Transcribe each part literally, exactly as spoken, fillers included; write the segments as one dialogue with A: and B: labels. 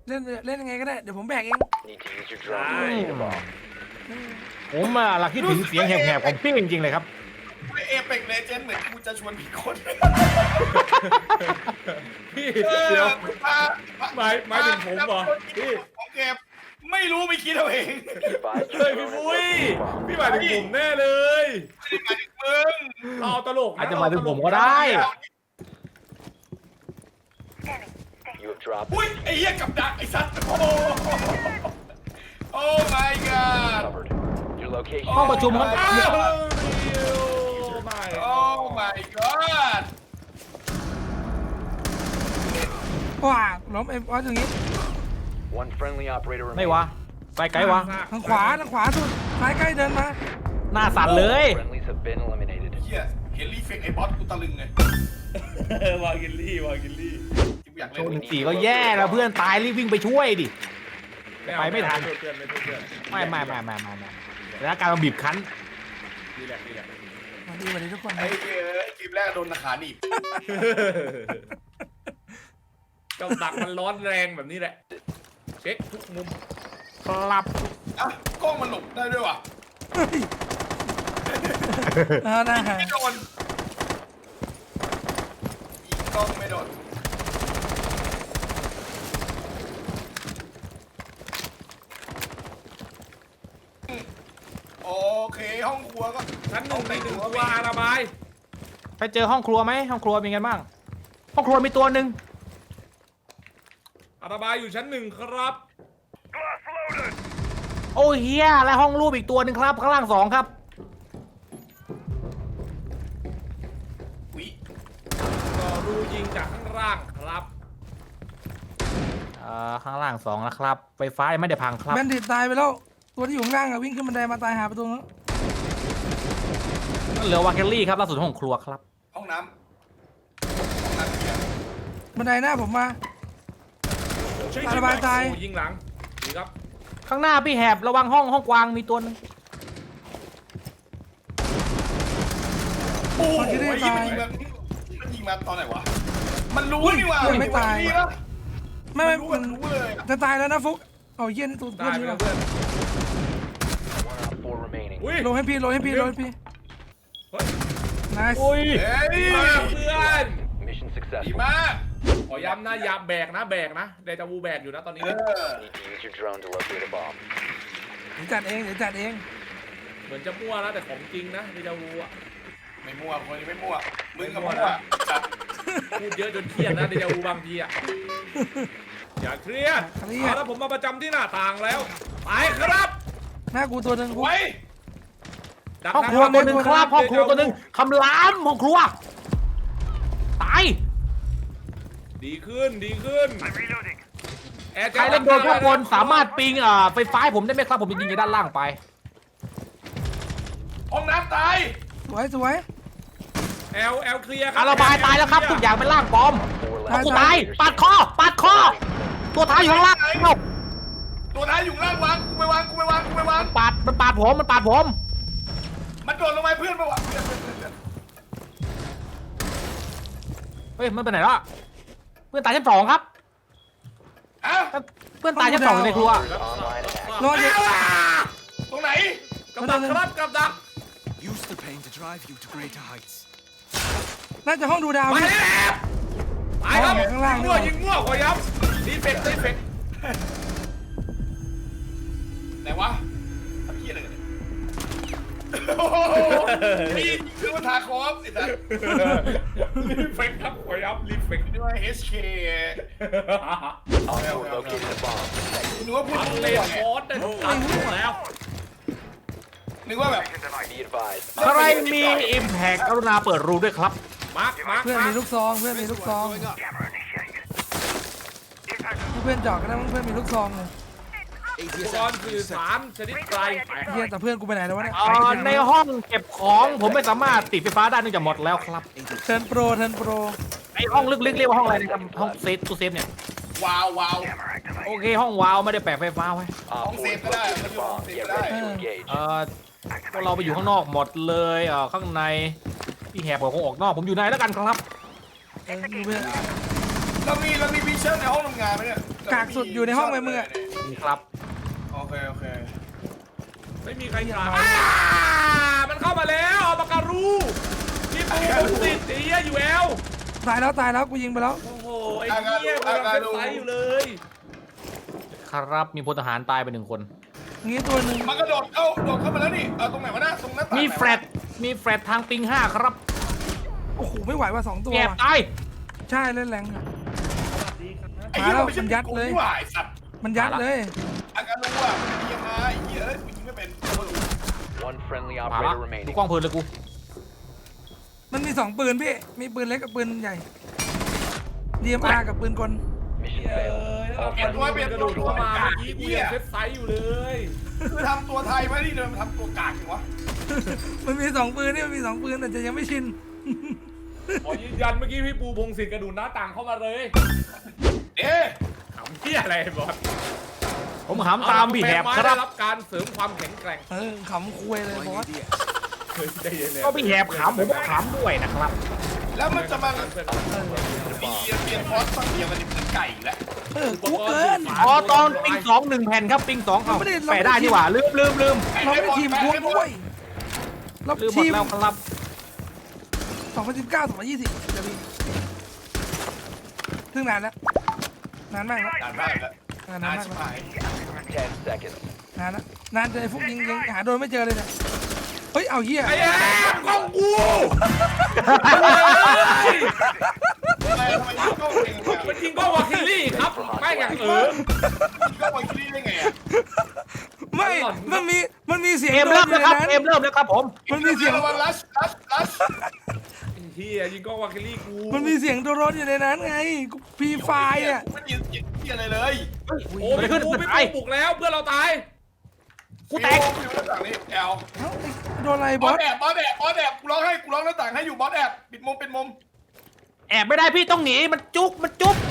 A: เล่นเล่นยังไงก็ได้เดี๋ยวผมแบกเอง
B: Need to use your drone to locate a bomb.
C: ผมอะหลักคิดถึงเสียงแหบๆของพี่จริงๆเลยครับ
D: เอเปกเลเจนด์เหมือนกูจะชวนผิดคน
E: พี่เดี๋ยว
D: มา
E: หมายหมายถึงผมเหรอพี่
D: ของเก็บไม่รู้ไม่คิดเอาเอง
B: Be advised
E: เฮ้ย
B: your
E: พี่
B: drone
E: ปุ้ย
B: has located a bomb.
E: พี่หมายถึงผมแน่เลย
D: ไม่ได้หมายถึงมึง
E: เราตลกน
C: อาจจะหมายถึงผมก็ได้
B: You have dropped
D: อุ้ยไอ้เหี้ยกับดักไอ้สัตว์โอ้โหโอ้ my god
B: covered. Your location.
C: ห้องประชุมห้อง
E: อ้าวไม่
D: โอ้ my god
A: ว้าล้มเอ็มออสอย่างงี้
B: One friendly operator
C: ไม่
B: remaining.
C: วะไปไกลวะ
A: ทางขวาทางขวาสุดซ้ายใกล้เดินมา
C: หน้าสั่นเลย
B: Friendlies have been eliminated.
D: เหี้ยเห็นรีเฟกไอ้บอสกูตะลึงเลยว
E: ากิลลี่วากิลลี่
D: กูอยาก
C: โช
D: เล่น
C: ว์หนึ่งสี่ก็แย่แล้วเพื่อนตายรีบวิ่งไปช่วยดิ ไปไม่ทัน
E: เพื่อนไม่เพื่อน
C: ไม่ไม่ไม่ไม่ไม่ไม่แล้วการมาบีบคั้น
E: ดีแหละดีแหละ
A: มาดีมาดีทุกคน
D: ไอ้เหี้ยเกมแรกโดนขาหนีบ
E: เจ้าดักมันร้อนแรงแบบนี้แหละเช็คทุกมุม
C: ครับ
D: อ่ะกล้องมันหลบได้ด้วยวะ
A: เอาหน้าหา
D: ไม่โดนยิงกล้องไม่โดนโอเคห้องครัวก็
E: ชั้นหนึ่งในหนึ่งตัวระบาย
C: ไปเจอห้องครัวไหมห้องครัวเป็นไงบ้างห้องครัวมีตัวหนึ่ง
E: ระบายอยู่ชั้นหนึ่งครับ
C: โอ้เฮียและห้องรูปอีกตัวหนึ่งครับข้างล่างสองครับ
D: วิ
E: ก็รูยิงจากข้างล่างครับ
C: เอ่อข้างล่างสองนะครับไฟฟ้ายังไม่ได้พังครับ
A: แบนดิตตายไปแล้วตัวที่อยู่ข้างล่างอะวิ่งขึ้นบันไดมาตายหาประตูนั้น
C: เหลือวาเกลลี่ครับล่าสุดห้องครัวครับ
D: ห้องน้ำห้องน้ำเกียร์
A: บันไดหน้าผมมา ระบายตาย
E: โอ้ยิงหลังดีครับ
C: ข้างหน้าพี่แหบระวังห้องห้องกวางมีตัวหนึง
D: โอ้โหมันยิงมามันยิงมาตอนไหนวะมันรู้นี่ว่า
A: ยังไม่ตาย
D: นี่ปะ
A: ไม่ไม่
D: รู้
A: มัน
D: รู้เลยอะ
A: จะตายแล้วนะฟุกเอาเยี่ยนตัวเพื่
E: ได้
A: อน
E: ไป
A: นี่
E: แล้ว
A: ป่ะ
E: เพื่อน
B: One op four remaining.
E: อุ้ย
A: โลให้พี่โลให้พี่โลให้พี่
E: เฮ้ย
A: นาย
C: อุ้ย
D: เฮ้ย
E: ดีมากเพื่อน
B: Mission
D: ดี
B: successful.
D: มาก
E: ขอย้ำนะอย่าแบกนะแบกนะเดจาวูแบกอยู่นะตอนนี้
D: เออ
B: Need to use your drone to locate a bomb.
A: เดี๋ยวจัดเองเดี๋ยวจัดเอง
E: เหมือนจะมั่วนะแต่ของจริงนะเดจาวูอะ
D: ไม่มั่วคนนี้ไม่มั่วมึงกับ
E: ไม่มั่
D: มั่
E: ว
D: ว
E: นะ พูดเยอะจนเครียดนะเดจาวูบางทีอะอย่าเครียด
A: เครียด
E: เอาแล้วผมมาประจำที่หน้าต่างแล้วไปครับ
A: หน้ากูตัวหนึ่งฟุก
D: ไว้
E: ดัก
C: ห้อง
E: ทา
C: ครัวตัวหนึ่งครับห้องครัว
E: เดจา
C: ตัวหนึ่งคำรามห้องครัวตาย
E: ดีขึ้นดีขึ้นแอร์
C: ใครเล่นโดนข้างบนสามารถปิงอ่าไฟฟ้าให้ผมได้ไหมครับผมจะยิงจากด้านล่างไป
D: ห้องน้ำตาย
A: สวยสวย
E: แอลแอลเคลียร์ครั
C: อาระบายตายแล้วครับทุกอย่างเป็นล่างปลอม
B: Four
C: เอา
B: left
C: กูตาย
B: operators
C: ปาดคอปาดคอตัวท้ายอยู่ข้างล่างเอ้า
D: ตัวท้ายอยู่ข้างล่างวางกูไปวางกูไปวางกูไปวาง
C: ปาดมันปาดผมมันปาดผม
D: มันโดดลงมาเพื่อนมาวะเพื่อนเพื่อนเพื่อนเพื่อน
C: เฮ้ยมันไปไหนแล้วอะเพื่อนตายชั้นสองครับ
D: อ้าว
C: เพื่อนตายชั้นสองอยู่ในครัว
B: Online and active.
A: รอเดี๋ยว
D: ตรงไหน
E: กับดักครับกับดัก
F: Use the pain to drive you to greater heights.
A: น่าจะห้องดูดาว
E: ไป
A: พี่
E: แล้วไปครับ
A: เอาข้างล่าง
E: ยิงมั่วยิงมั่วขอย้ำดีเฟกต์ดีเฟกต์
D: ไหนวะทำเหี้ยอะไรกันเนี่ยโอ้โหนี่คือมันทาคอฟไอ้สัส
E: รีเฟกต์ครับขอย้ำรีเฟกต์
D: นี่ว่า เอช เค
B: Op four located a bomb.
D: นึกว่าพูด
E: อัน
D: ถูก
E: เล
D: เล
E: น
D: ย
E: ฟอสได้ทุกอันแล้ว
D: นึกว่าแบบ
B: Be advised.
C: ใครมี Impact กรุณาเปิดรูด้วยครับ
E: มาร์คมาร์ค
A: เพื่อน
E: มา
A: มี
E: ร์ค
A: ลูกซองเพื่อนมีลูกซองเพื่อนจอดก็ได้มั้งเพื่อนมีลูกซองเลย
E: อุปกรณ์สื่อสารชนิดไกลแตก
A: เฮียแต่เพื่อนกูไปไหนแล้ววะเนี่ย
C: เอ่อในห้องเก็บของผมไม่สามารถติดไฟฟ้าได้เนื่องจากหมดแล้วครับ
A: เทิร์นโปรเทิร์นโปร
C: ไอห้องลึกๆเรียกว่าห้องอะไรนะครับห้องเซฟตู้เซฟเนี่ย
D: ว้าวว้าว
C: โอเคห้องวาวไม่ได้แปะไฟฟ้าไว้
B: Op
D: Don't
B: four
D: save
B: has
D: that.
B: located a bomb.
D: Don't
B: Get
D: save
B: ready to
A: that.
B: engage.
C: เอ่อพวกเราไปอยู่ข้างนอกหมดเลยเอ่อข้างในพี่แหบผมคงออกนอกผมอยู่ในแล้วกันครับ
A: เออดูเพื่อน
D: เรามีเรามีวิชั่นในห้องทำงานไหมเนี่ย
A: กกากสุดอยู่ในห้องไหมมึงอะ
C: นี่ครับ
D: โอเคโอเค
E: ไม่มีใครถามอ่ามันเข้ามาแล้วเอาปากการูพี่ปูผมติดไอ้เหี้ยอยู่แล้ว
A: ตายแล้วตายแล้วกูยิงไปแล้ว
E: โอ้โหไอ้เหี้ยกำลังเซฟไซส์อยู่เลย
C: ครับมีพลทหารตายไปหนึ่งคน
A: งี้ตัวหนึ่ง
D: มันกระโดดเข้าโดดเข้ามาแล้วนี่เอาตรงไหนวะนะตรงหน้าต่าง
C: มีแฟลตมีแฟลตทางปิงห้าครับ
A: โอ้โหไม่ไหวว่ะสองตัว
C: แอบ
A: ว่ะ
C: ตาย
A: ใช่เล่นแรงอะ
D: ไอ้เหี้ย
A: มาแล้ว
D: มันไม่ใช่
A: มันยัดเลย
D: นี่หว่าไอ้สัตว์
A: มันยัดเลย
D: อาการรู้ว่ามันเป็นยังไงไอ้เหี้ยเอ้ยกูยิงไม่เป็นกูไม่รู้
B: One friendly
C: มาละ
B: operator
C: ดู
B: remaining.
C: กล้องเพลินเลยกู
A: มันมีสองปืนพี่มีปืนเล็กกับปืนใหญ่ ดี เอ็ม อาร์ กับปืนกล
B: Mission
E: เอ
B: failed.
E: อเอาการูมันกระโดดเข้ามาเมื่อกี้กูยังเซฟไซส์อยู่เลย
D: คือทำตัวไทยไว้ที่เดิมทำตัวกากจังวะ
A: มันมีสองปืนนี่มันมีสองปืนแต่จะยังไม่ชิน
E: ขอยืนยันเมื่อกี้พี่ปูพงศิษฐ์กระโดดหน้าต่างเข้ามาเลย
D: เอ๊ะ
E: ขำเหี้ยอะไรบอส
C: ผมหามตามพี่แหบค
E: ได้
C: รับ
E: รับการเสริมความแข็งแกร่ง
A: เออขำคุยเลยบอส
E: เฮ้ยใจเย็นเลย
C: ก็พี่แหบขามผมก็ขามด้วยนะครับ
D: แล้วมันจะมา
E: เพื่อน
D: มีเปลี่ยนฟอสฟังเดียวมันจะเป็นไก่อีกแล้ว
A: เออกูเกิน
C: อ๋อตอนปิงสองหนึ่งแผ่นครับปิงสองเอา
A: เราไม่ได้
C: แปะได้ดีกว่าลืมลืมลืม
A: เราไม่ได้ทีมพวงด้วยเรา
C: ลืมหม
A: ที
C: ด
A: ม
C: แล้วครับ
A: สองพันสิบเก้า สองพันยี่สิบจะมีเพิ่งนานแล้วนานมากแล้ว
D: นานมากแล้ว
A: นาน
D: นาน
A: มาก
D: ชิบ
A: แล้ว
D: หาย
B: Ten seconds.
A: นานแล้วนานจนไอ้พวกยิงยังหาโดนไม่เจอเลยเนี่ยเฮ้ยเอาเหี้ย
E: ไอ้แอบกล้องกู
D: ทำไมทำไมยิงกล้องเองเนี่ย
E: มันยิงกล้องวาคิลลี่ครับไม่อย่างเออ
D: ยิงกล้องไวคิลี่ได้ไงอ่ะ
A: ไม่มันมีมันมีเสียง
C: เกม
A: โด
C: เริ่
A: น
C: ม
A: อยู่
C: แล้ว
A: ใน
C: ครับ
A: นั้น
C: เกมเริ่มแล้วครับผม
A: มันมีเสียง
D: ระวังลัชลัชลัช
E: เฮียยิงกล้องวาคิลลี่กู
A: มันมีเสียงโดนอยู่ในนั้นไงกูพีไฟล์อ่ะ
D: ไม่ได้ยินเสียงเหี้ยอะไรเลย
E: โอ้พี่ปูพี่ปูบุกแล้วเพื่อนเราตาย
C: กูแตก
D: อยู่หน้าต่างนี่แอล
A: เอ้าโดนอะไร
D: บบ อ
A: อ
D: ส
A: ส
D: แอบบอสแอบบอสแอบกูร้องให้กูร้องหน้าต่างให้อยู่บอสแอบปิดมุมปิดมุม
C: แอบไม่ได้พี่ต้องหนีมันจุกมันจุก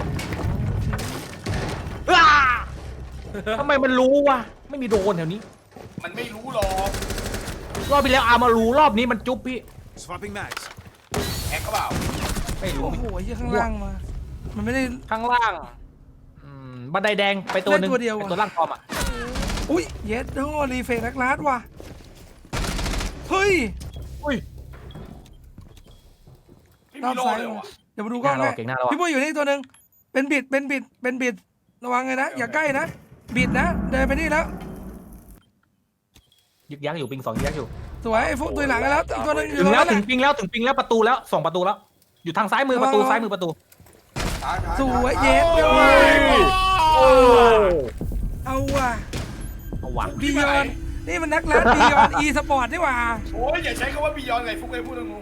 C: อ้าทำไมมันรู้วะไม่มีโดนแถวนี้
D: มันไม่รู้หรอก
C: รอบที่แล้วอามารู้รอบนี้มันจุ๊บพี่
F: Swapping mags.
D: แอกก็เปล่า
C: ไม่รู้
A: โอ้โหไอ้เหี้ยข้างล่างมา มันไม่ได้
C: ข้างล่างอืมบันไดแดงไปตัวหนึ่ง
A: ได้ตัวเดียวอะ
C: เป็นตัวล่างทอมอ่ะ
A: อุ้ยเยสโดรีเฟกนักลาดว่ะเฮ้ย
C: อุ้ย
D: ไม่
A: รอ
D: มี
A: บ
D: โล
A: ซ้าย
D: เลย
A: มา
D: วะ
A: เดี๋ยวมาดูกล้อง
C: เก่งหน้าเรา
A: ให้
C: เก่งหน้าเราอะ
A: พี่ปุ้ยอยู่นี่ตัวหนึ่งเป็นบิดเป็นบิดเป็นบิดระวังเลยนะอย่าใกล้นะบิดนะเดินไปนี่แล้ว
C: ยึกยักอยู่ปิงสองยึกยักอยู่
A: สวยไอ้ฟุกตัวหลังกันแล้วอีกตัวหนึงอยู่
C: ถึ
A: ตรง ง
C: แล้ว
A: นั้นแห
C: ถึ
A: ละ
C: งปิงแล้วถึงปิงแล้วประตูแล้วส่องประตูแล้ว อยู่ทางซ้ายมือประตูซ้ายมือประตู
D: ท้ายท้าย
A: สวยเยส
D: โอ้
A: โด
D: ย
C: โอ้
A: เอาว่ะ
C: เอาวะ
A: บียอนนี่มันนักลาดบียอนอีสปอร์ตนี่หว่า
D: โอ้ยอย่าใช้คำว่าบียอนไงฟุกไอ้พูดงง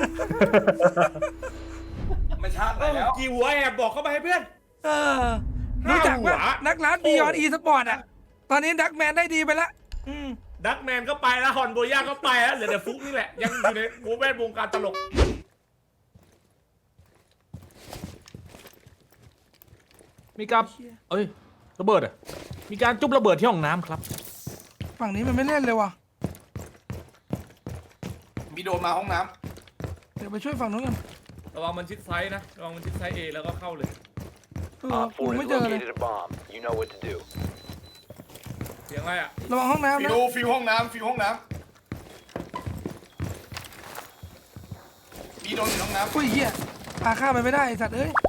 D: ไม่ชาติไหนแล้ว
E: กี่หัวแอบบอกเข้ามาให้เพื่อน
A: เออรู้จักว่า
E: ห้าหัว
A: นักลาดบียอนอีสปอร์ตอ่ะตอนนี้ดักแมนได้ดีไปละอืม
E: ดักแมนก็ไปแล้วฮอนโบย่าก็ไปแล้วเหลือแต่ฟุกนี่แหละยังอยู่ในวงแวดวงการตลก
C: มีการเอ้ยระเบิดอ่ะมีการจุ๊บระเบิดที่ห้องน้ำครับ
A: ฝั่งนี้มันไม่เล่นเลยว่ะ
D: มีโดนมาห้องน้
A: เดี๋ยวไปช่วยฝั่งนู้นกัน
E: ระวังมันชิดไซส์นะระวังมันชิดไซส์เอแล้วก็เข้าเลย
A: เออ
B: Op
A: กู
B: four
A: ไม่
B: has
A: เจอเลย
B: located a bomb. You know what to do.
E: เสียงอะไรอ่ะ
A: ระวังห้อง
D: ำ
A: น้ำ
D: ฟิ
A: นะ
D: วฟิวห้องน้ำฟิวห้องน้ำมีโดนอยู่ห้องน้ำ
A: อุ้ยเหี้ยพาข้ามไปไม่ได้ไอ้สัตว์เอ้ย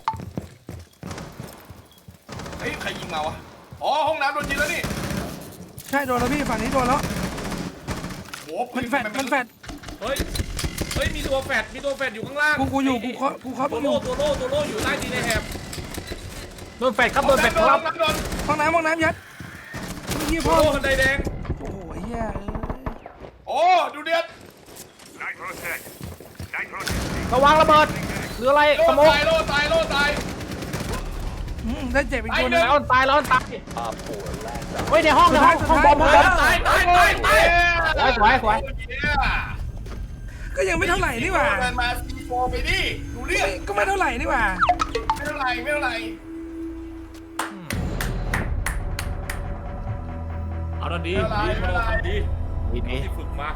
D: เฮ้ยใครยิงมาวะอ๋อห้องน้ำโดนยิงแล้วนี่
A: ใช่โดนแล้วพี่ฝั่งนี้โดนแล้ว
D: โหปื
A: มันแฟดมันแฟด
E: เฮ้ยเฮ้ยมีตัวแฟดมีตัวแฟดอยู่ข้างล่าง
A: กูกูอยู่กูเคาะกูเคาะ
E: ตั
A: มึ
E: ว
A: งอ
E: โล่
A: ยู่
E: ตัวโล่ตัวโล่อยู่ใต้ดินในแฮบ
C: โดนแฟดครับ
D: ห้
C: โด
D: อง
C: นแฟด
D: น้ำโด
C: คน รับ
D: ห้องน้ำโดน
A: ห้องน้ำห้องน้ำยัดไอ้เหี้ย
E: ตั
A: พ่
E: ว
A: อ
E: โล่บันไดแดง
A: โอ้โหไอ้เหี้ยเอ้ย
D: โอ้ดูเดือด
C: ระวังระเบิดหรืออะไร
D: โล่
C: สโมก
D: ตายโล่ตายโล่ตาย
A: อืมได้เจ็บอีกตัวหนึง
C: แล้วตายแล้วตาย
B: Op four, last op.
C: เฮ้ยในห้องในห้องห้องบอมห้องบอม
E: ตายตายตายตาย
C: สวยสวยสวย
A: ก็ยังไม่เท่าไหร่นี่หว่า
D: เดินมาซีโฟไปดิดูเรื่อง
A: ก็ไม่เท่าไหร่นี่หว่า
D: ไม่เท่าไหร่ไม่เท่าไหร่
E: เอาดันดีดีมาลองดี
C: ดีดี
E: ที่ฝึกมา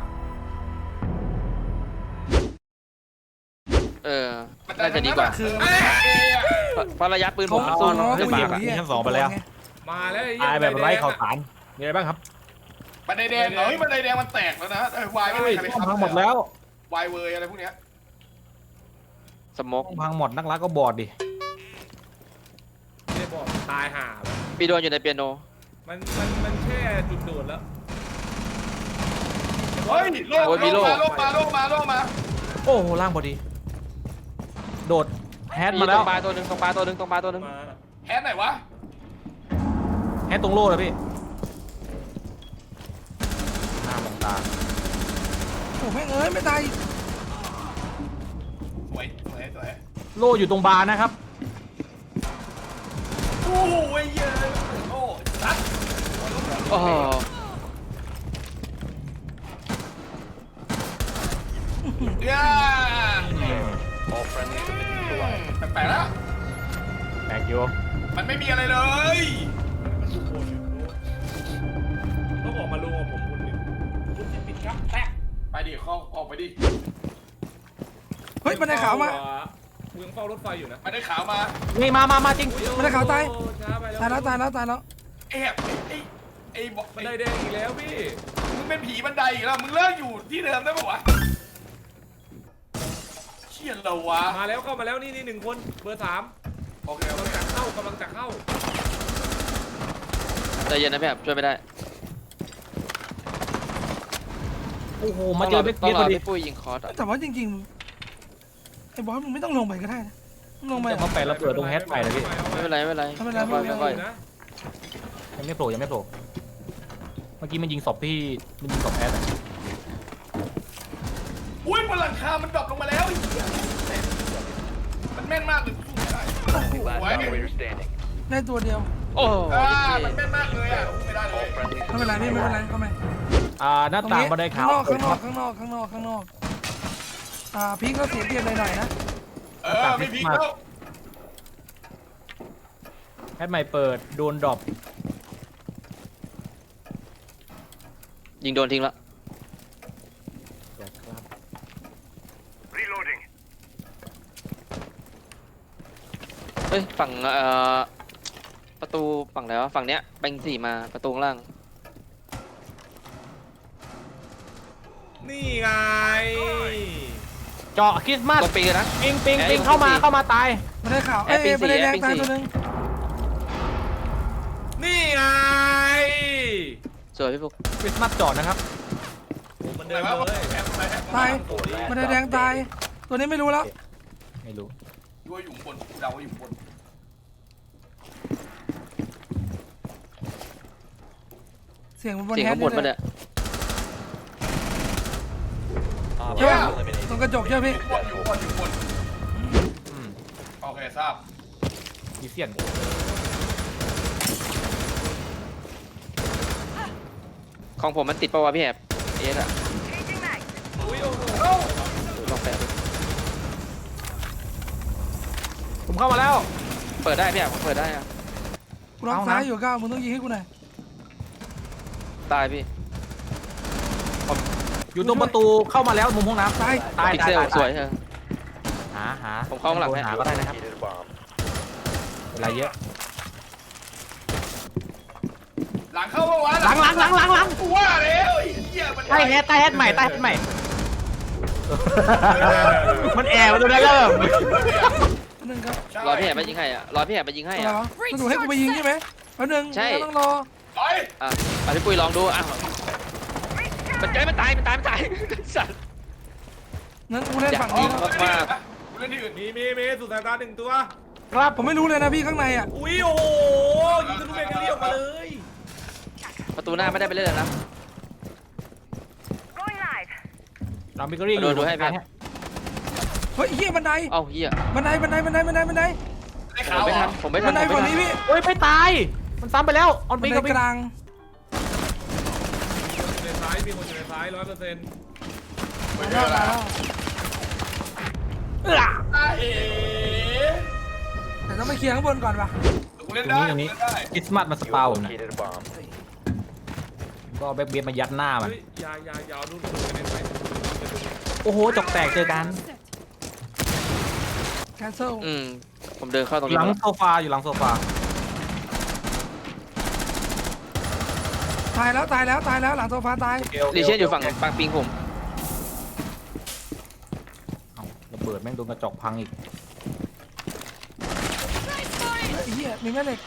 G: เออ น่าจะดีกว่า
A: คือ
D: เอ้ย
G: เพราะระยะปืนผ
A: เขา
G: มมัน
A: เขา
G: ซ่อน
A: ง้อ
G: ขึ้น
A: กู
G: มา
A: อยู่
G: อะ
A: เหี้ย
C: ชั้นสองไปแล้ว
E: มาแล้วไอ้
C: ตายแบบไร้ข่าว
E: สาร
C: สารมีอะไรบ้างครับ
D: บันไดแดงเฮ้ยบันไดแดงมันแตกแล้วนะเออวายไม่
C: เฮ้
D: มี
C: ย
D: ใครไป
C: ห้อง
D: ทำ
C: พังหมดแล้ว
D: วายเวยอะไรพวกเนี้ย
G: สโมก
C: ห้องพังหมดนักรักก็บอดดิ
E: ไม่ได้บอกตายห่าแบบ
G: ปีโดนอยู่ในเปียโน
E: มันมันมันแค่จุดโดดแล้ว
D: เฮ้ยโลกโลกมาโลกมาโลกมาโลกมา
C: โอ้โหล่างพอดี โดดแฮต
G: มี
C: มา
G: ต
C: แล้
G: ร
C: ว
G: งปลาตัวหนึ่งตรงปลาตัวหนึ่งตรงปลาตัวหนึ่ง
E: มา
D: แฮนไหนวะ
C: แฮตตรงโล่เลยพี่หน้ามองตา
A: โอ้แม่งเอ้ยไม่ตายอีก
D: สวยสวยสวย
C: โล่อยู่ตรงบาร์นะครับ
D: โอ้โหเยอะโอ้ซัด
G: โอ้โห
D: เย้
B: All friendlies have been neutralized.
D: แปลกๆแล้ว
C: แบกอยู่
D: มันไม่มีอะไรเลย
E: มันทุกคนอยู่ต้องออกมาลงกับผมคนหนึ่งคุณจะปิดครับแป๊ะ
D: ไปดิเข้าออกไปดิ
A: เฮ้ยบันไดขาวมา
E: กูยังเฝ้ารถไฟอยู่นะ
D: มันได้ขาวมา
C: นี่มามามาจริง
A: บันไดขาวตาย
E: โอ้ช้าไปแล้ว
A: ตายแล้วตายแล้วตายแล้ว
D: ไอ้แบบไอ้ไอ้บอก
E: บันไดแดงอีกแล้วพี่
D: มึงเป็นผีบันไดอีกแล้วมึงเลิกอยู่ที่เดิมได้ปะวะเชี่ยเราวะ
E: มาแล้วเข้ามาแล้วนี่นี่หนึ่งคนเบอร์สาม
D: โอเค
E: กำ
D: โอ
E: ลัง
D: เค
E: จะเข้ากำลังจะเข้า
G: ใจเย็นนะพี่ครับช่วยไม่ได้
C: โอ้โหมาเจอเบค
G: ต้อ
C: เบี
G: ง
C: ย
G: ร
C: พ
G: อ
C: อดี
G: พี่ปุ้ยยิงคอร์สอะ
A: แต่ว่าจริงๆไอ้บอสมึงไม่ต้องลงไปก็ได้นะมึงลงไป
C: จะมาแปะระเบิดตรงแฮตใหม่เลยพี่
G: ไม่เป็นไรไม่เป็นไร
A: ไม่เป็นไร
G: ค่อย
A: ไม่เป็นไร
G: ค่อย
E: นะ
C: ยังไม่โผล่ยังไม่โผล่เมื่อกี้มันยิงศพพี่มันยิงศพแฮตอะ
D: อุ้ยบนหลังคา มันดรอปลงมาแล้วไอ้เหี้ยมันแม่นมากเลยสู้ไม่ได้
B: Last
D: โอ้ย
B: operator standing.
A: ได้ตัวเดียว
G: โอ้โห
D: อ่ามันแม่นมากเลยอ่ะสู้ไม่ได้เลย
B: All friendlies
A: ไม่เป็นไรพี่ไม่เป็นไรเข้ามา
C: อ่าหน้า
A: ตรง
C: ต่าง
A: นี้
C: บันไดขา
A: ข้าง
C: วน
A: อกข้างนอกข้างนอกข้างนอกข้างนอกข้างนอกอ่าพีคก็เสียเปรียบหน่อยๆนะ
D: เออไม่พีคแล้ว
C: แฮตใหม่เปิดโดนดรอป
G: ยิงโดนทิ้งละเฮ้ยฝั่งเอ่อประตูฝั่งไหนวะฝั่งเนี้ยแบงสี่มาประตูข้างล่าง
E: นี่ไง
C: เจาะคริสต์มาส
G: ตรงปีกันนะ
C: ปิงปิงปิงเข้ามาเข้ามาตาย
A: บันไดขาวเอ้ย
G: แอปปิ้ง
A: บันไดแดง
G: สี่
A: ตาย
G: แอปปิ้งสี่
A: ตัวหนึง
E: นี่ไง
G: สวยพี่ฟุก
C: คริสต์มาสเจาะนะครับ
E: มัน
D: ไหน
E: เดิน
D: วะ
E: เลย
D: แอบไปแอบ
A: ตาย
B: Four last
A: บันไดแดงตาย ตัวนี้ไม่รู้แล้ว
C: ไม่รู้
D: ด้วยอยู่บนเดาว่าอยู่บน
A: เสียงมันบน
G: เสียง
A: แฮ
G: ข้างบน
A: เล
G: มาย เนี่ย
B: Op
A: ใช่ป่ะ
B: four eliminated.
A: ตรงกระจกใช่ไหมพี่
D: บนอยู่บนอยู่บน
C: อืม
D: โอเคทราบ
C: มีเสียน
G: ของผมมันติดปะวะพี่แอบเอสอะ
E: อุ้ยโอ้โห
G: ลองแปะดู
C: ผมเข้ามาแล้ว
G: เปิดได้พี่แอบผมเปิดได้อะ
A: กูล็อก
C: เอานะ
A: ซ้ายอยู่ก้าวมึงต้องยิงให้กูหน่อย
G: ตายพี่
C: อยู่ตรงประตูเข้ามาแล้วมุมห้องน้ำ
A: ตาย
C: ตาย
G: พิก
C: ตาย
G: เซล
C: ตาย
G: สวยเธอ
C: หาหา
G: ผมเข้าข้างหลังให้
C: หาก็ได้นะครับ
B: Located a bomb.
C: เวลาเยอะ
D: หลังเข้าปะวะ
C: หลังหลังหลังหลังหลัง
D: กูว่าแล้วไอ้เหี้ยมัน
C: ใต้แฮตใต้แฮตใหม่ใต้แฮตใหม่ มันแอบมาตรงนั้นแล้ว
A: หนึ่งครับ
G: รอพี่แอบไปยิงให้อะรอพี่แอบไปยิงให้
A: อะไร
G: อะ
A: วะมันถูกให้กูไปยิงใช่ไหมแป๊บนึง
G: ใช่
A: ต้องรอ
D: ไป
G: อ่ะอ่ะพี่ปุ้ยลองดูอ่ะมันใจมันตายมันตายมันตายสัตว์
A: นั้นกูเล่น
G: อยาก
A: ฝั่ง
G: ยิ
A: นี้
G: ง
A: นะ
G: มาก
D: กูเล่นที่อื่น
E: มีมีมีสุดสายตาหนึ่งตัว
C: ครับ
A: ผมไม่รู้เลยนะพี่ข้างในอ่ะ
E: อุ้ยโอ้โหยิงทะลุเบเกอรี่ออกมาเลย
G: ประตูหน้าไม่ได้ไปเล่นแล้วนะ
C: เราบิเกอรี่
G: ดูดูให้พี่
A: เฮ้ยเฮียบันได
G: เอ้าเฮีย
A: บันไดบันไดบันไดบันไดบันได
D: ไอ้
G: ผ
D: ขาม ว
G: ไม่
D: เหร
G: ทั
D: อน
G: ผมไม่ทั
A: บั
G: น
A: นได
G: ผม
A: ฝั่ง
G: ไม่ทัน
A: นี้พี่
C: เฮ้ยไม่ตาย มันซ้ำไปแล้วออน
A: บั
C: ปี
A: น
C: กับ
A: ได
C: ปี
A: กลาง
E: อยู่ในซ้ายมีคนอยู่ในซ้ายร้อยเปอร์เซ็นต์
D: ไป
A: มา
D: เจ
A: แล้
D: อ
A: ว
D: แล้ว
A: มาแล้ว
D: อ่ะเอ๋
A: แต่ต้องไปเคลียร์ข้างบนก่อนป่ะ
D: กูเล่น
C: ตรง
D: ได้
C: นี้ตรงนี้
D: กูเล่นได้
C: คริสต์มาสมาส
B: You
C: ปา
B: have
C: ผมนะ
B: located a bomb.
C: ก็แบ็คเบียดมายัดหน้ามัน
E: เฮ้ยยายายาวดูดูกันในไฟ
C: โอ้โหจกแตกเจอกัน
A: แคนเซิล
G: อืมผมเดินเข้าตรง
C: ห
G: นี้
C: ลัง
G: มาแล้ว
C: โซฟาอยู่หลังโซฟา
A: ตายแล้วตายแล้วตายแล้วหลังโซฟาตาย
G: ลีเชียนอยู่ฝั่งปังปิงผม
C: เอ้าระเบิดแม่งโดนกระจกพังอีก
A: ไอ้เหี้ยมีแม่เหล็ก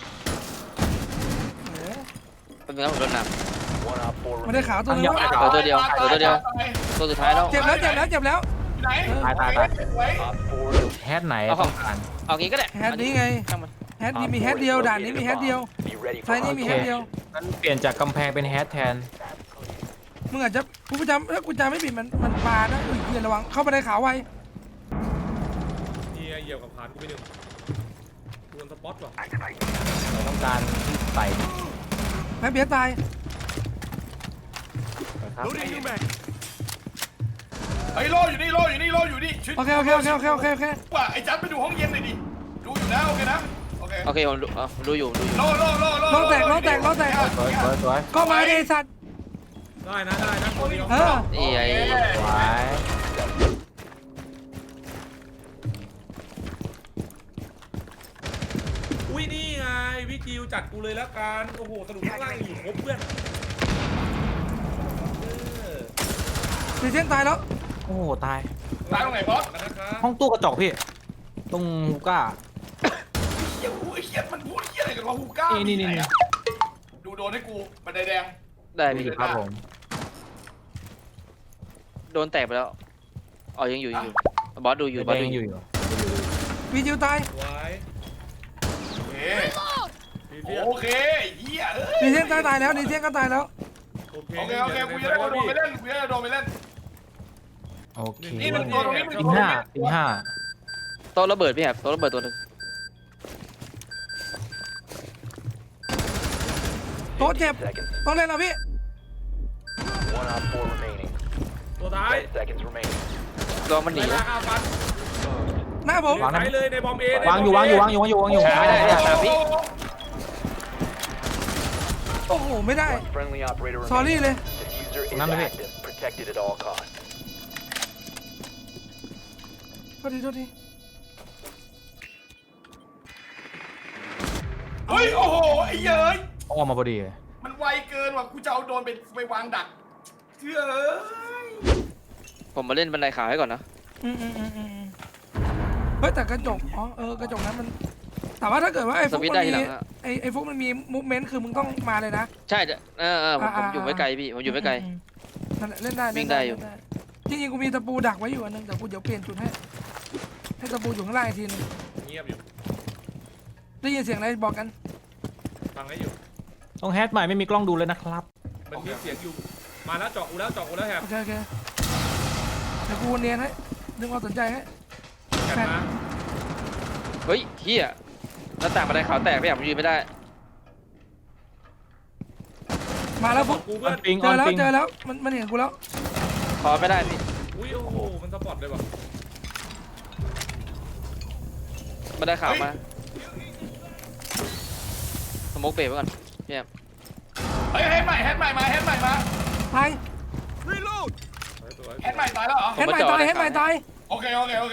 A: เออ
G: เป็นไงผมโดนหนัก
B: One op four
A: ไม่ได้
B: remaining.
A: ขาวตัวนึง
C: ยัง
A: วะ
C: ไม่
G: เหลือตัวเดียวเหลือตัวเดียวตัวสุดท้ายแล้ว
A: เจ็บแล้วเจ็บแล้วเจ็บแล้ว
D: ไหน
C: ตายตายตาย
D: ไว้
B: Op four
C: แฮดไหน
G: เอาของ
C: ต้องการ
G: เอางี้ก็ได้
A: แฮดนี้ไง
G: ช่างมัน
A: แฮดนี้มีแฮดเดียวด่านนี้มีแฮดเดียว
B: be ready
A: ไซ
B: for
A: ส์นี้มีแฮดเดียว
C: งั้นเปลี่ยนจากกำแพงเป็นแฮดแทน
A: มึงอาจจะกูจำถ้ากูจำไม่ผิดมันมันปลานะอุ้ยเหี้ยระวังเข้าไปในขาวไว
E: เฮียเหยียบกับผ่านกูไปหนึ่งโดนสปอตว่ะ
C: เราต้องการที่ใส่
A: แม่เบียร์ตาย
C: ครับ
F: Loading new mag.
D: ไอ้โลอยู่นี่โลอยู่นี่โลอยู่นี่ชิด
A: โอเคโอเคโอเคโอเคโอเคโอเค
D: ว่าไอ้จัดไปดูห้องเย็นหน่อยดิดูอยู่นะโอเคนะโอเค
G: โอเคผมดูเออผมดูอยู่ดูอยู่
D: โลโลโลโล
A: โลแตกโลแตกโลแตก
C: สวยสวยสวย
A: ก็มาดิไอ้สัตว์
E: ได้นะได้นะตัวเดียว
A: เออ
G: นี่ไอ้
C: สวย
E: อุ้ยนี่ไงวิจิวจัดกูเลยแล้วกันโอ้โหสรุปข้างล่างอยู่ครบเพื่อนเออ
A: ดีเจนตายแล้ว
C: โอ้โหตาย
D: ตายตรงไหนบอส
E: นะครับ
C: ห้องตู้กระจกพี่ ตรงฮูก้า
D: เฮียไอ้เฮียมันพูดเฮียอะไรกันวะฮูก้า
C: นี่นี่นี่
D: ดูโดนให้กูบันไดแดง
G: ได้พี่
C: ครับผม
G: โดนแตกไปแล้วอ๋อยังอยู่ยังอยู่บอสดูอยู่บอส
C: แด
G: ดู
C: ง
G: อ
C: อยู่ ยู่อยู่
A: วีจิวตาย
E: ไว้
D: โอเค
E: พี่เฟีย
D: โอเคเฮียเอ้ย
A: ดีเจนตายตายแล้วดีเจนก็ตายแล้ว
E: โอเค
D: โอเคโอเคกูจะได้โดนไปเล่นกูจะได้โดนไปเล่น
C: โอเค
D: นี่มันตัวตรงนี้มัน
C: ปิงห้าปิงห้า
G: โต๊ะระเบิดพี่แฮบโต๊ะระเบิดตัวหนึ่ง
A: โต๊ะเจ็บ
B: seconds.
A: ต้องเล่นแล้วพี่
B: One op four remaining.
E: ตัวท้าย
B: Ten seconds remaining.
G: รอมันหนี
E: ไล่ล่าอาฟัน
A: หน้าผม
C: วางนะ
E: ไปเลยในบอมเอ
C: วางอยู่วางอยู่วางอยู่วางอยู่วางอยู่
G: ไม่ได้เนี่ยสามพี่
A: โอ้โหไม่ได้
B: One friendly operator
A: สอรี่
B: remaining.
A: เลย
B: Diffuser is
C: None of it.
B: active. Protected at all costs.
A: โทษทีโทษที
D: เฮ้ยโอ้โหไอ้เย้ย
C: ออกมาพอดี
D: มันไวเกินว่ะกูจะเอาโดนไปไปวางดักเชื่อเอ้ย
G: ผมมาเล่นบันไดขาวให้ก่อนนะ
A: อืมอืมอืมอืมเฮ้ยแต่กระจกอ๋อเออกระจกนั้นมันแต่ว่าถ้าเกิดว่าไอ้
G: ส
A: ฟุก
G: วิตช์
A: มั
G: ได้
A: น
G: ทีหลั
A: มี
G: งอะ
A: ไอ้ไอ้ฟุกมันมีมูฟเมนต์คือมึงต้องมาเลยนะ
G: ใช่เออเออผมผม
A: อ่า
G: อยู่ไม่ไกลพี่ผมอยู่ไม่ไกล
A: อืมนั่นแหละเล่นได้
G: วิ่
A: เล่น
G: งได้อยู่
A: เล่นจริงๆกูมีตะปูดักไว้อยู่อันนึงแต่กูเดี๋ยวเปลี่ยนจุดให้ให้ตะปูอยู่ข้างล่างอีกทีนึง
E: เงียบอยู่
A: ได้ยินเสียงอะไรบอกกัน
E: ฟังให้อยู่
C: ต้องแฮดใหม่ไม่มีกล้องดูเลยนะครับ
E: มันมีเสียงอยู่มาแล้วเจาะกูแล้วเจาะกูแล้วแฮบ
A: โอเคโอเคเดี๋ยวกูเนียนให้ดึงความสนใจให้
E: แฮบมา
G: เฮ้ยเฮียหน้าต่างบันไดขาวแตกพี่แฮบผมยืนไม่ได้
A: มาแล้วฟุก
E: กูเพื่อน
C: ปิง
A: เจ
C: ออ
A: อน แล้ว
C: ปิง
A: เจอแล้วมันมันเห็นกูแล้ว
G: ขอไม่ได้พี่
E: อุ้ยโอ้โหมันสปอตเลยว่ะ
G: บันไดขาวมาสโมกเบรกไว้ก่อนพี่แฮบ
D: เฮ้ยแฮนด์ใหม่แฮนด์ใหม่มาแฮนด์ใหม่มา
A: ตาย
F: Reload.
E: สวยสวย
D: แฮนด์ใหม่ตายแล้วเหรอ
A: เห็นใหม่ตายเห็นใหม่ตาย
D: โอเคโอเคโอเค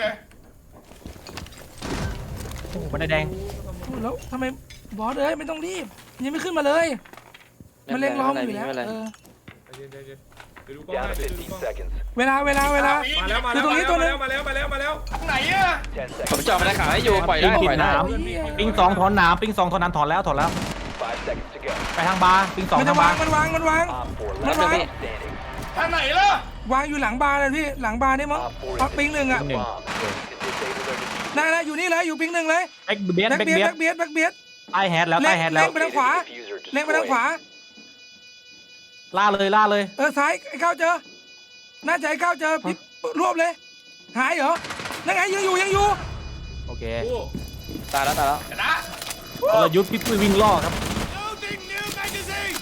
C: โอ้โหบันไดแดง
A: แล้วทำไมบอสเอ้ยไม่ต้องรีบยังไม่ขึ้นมาเลย มันเล็งล้อมอยู่แล้ว
G: ไม่เป็นไร
A: เออ
E: ใจเย็นใจเย็นเดี๋ยวดูกล้อง
B: Down
E: ให้
B: to
E: เดี๋ยวดู
B: fifteen
E: กล้อง
B: seconds.
A: เวลาเวลาเวลา
E: มาแล้วมา
A: คือ
E: แล้ว
A: ตรงนี้ตัวนึง
E: มาแล้วมาแล้วมาแล้ว
D: ทางไหนอะ
B: Ten
G: ผม
B: seconds.
G: เจาะบันไดขาวให้อยู่ปล่อยได้ปล่อยได้
C: ปิงผิดน้ำปิงสองถอนน้ำปิงสองถอนน้ำถอนแล้วถอนแล้ว
B: Five seconds to go.
C: ไปทางบาร์ปิงสอง
A: มัน
C: ทา
A: จะ
C: ง
A: วา
C: บาง ร์
A: มันวางมันวาง
B: Op four
A: Nó
B: last
A: vàng.
B: standing.
D: ทางไหนล่ะ
A: วางอยู่หลังบาร์เลยพี่หลังบาร์นี่มั้ง
B: Op four
A: เอา
B: is
A: ปิงหนึ่งอ่ะ
B: defusing the bomb. To disable their diffuser.
A: นั่นนะอยู่นี่เลยอยู่ปิงหนึ่งเลย
C: แบ็กเบียด
A: แบ็ก
C: แบ็ก
A: เบียด
C: เบียด
A: แบ็กเบียดแบ็กเบียด
C: ใต้แฮดแล้วใต้แฮดแล้ว
A: เล็งไปทางขวา
B: Located the diffuser.
A: เล็งไปทางข
B: Destroy
A: วา
B: it.
C: ล่าเลยล่าเลย
A: เออซ้ายไอ้ก้าวเจอ น่าจะไอ้ก้าวเจอพี่รวบเลย หายเหรอนั่นไงยังอยู่ยังอยู่
C: โอเค
E: โอ้
G: ตายแล้วตายแล้ว
D: เดี๋ยวนะ
C: กลยุทธ์พี่ปุ้ยวิ่งล่อครับ
F: Loading new magazine.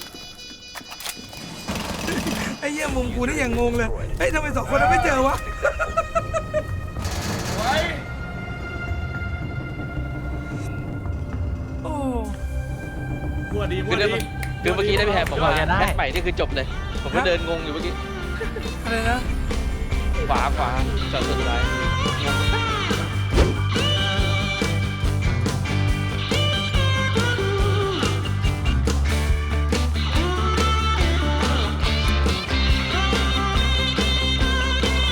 A: ไอ้เหี้ยมุมกูนี่ยังงงเลยเฮ้ยทำไมสองคนนั้นไม่เจอวะ
D: ไว้
A: โอ้
E: มัวดีมั
G: คื
E: ว
G: อเดิ
E: ดี
G: มคือเมื่อกี้ได้พี่แฮบบอกว่า
C: เดี๋ยวได้
G: แบ็คใหม่นี่คือจบเลย ผมก็เดินงงอยู่เมื่อกี้
A: อะไรนะ
G: ขวาขวาจอดสุดท้ายงง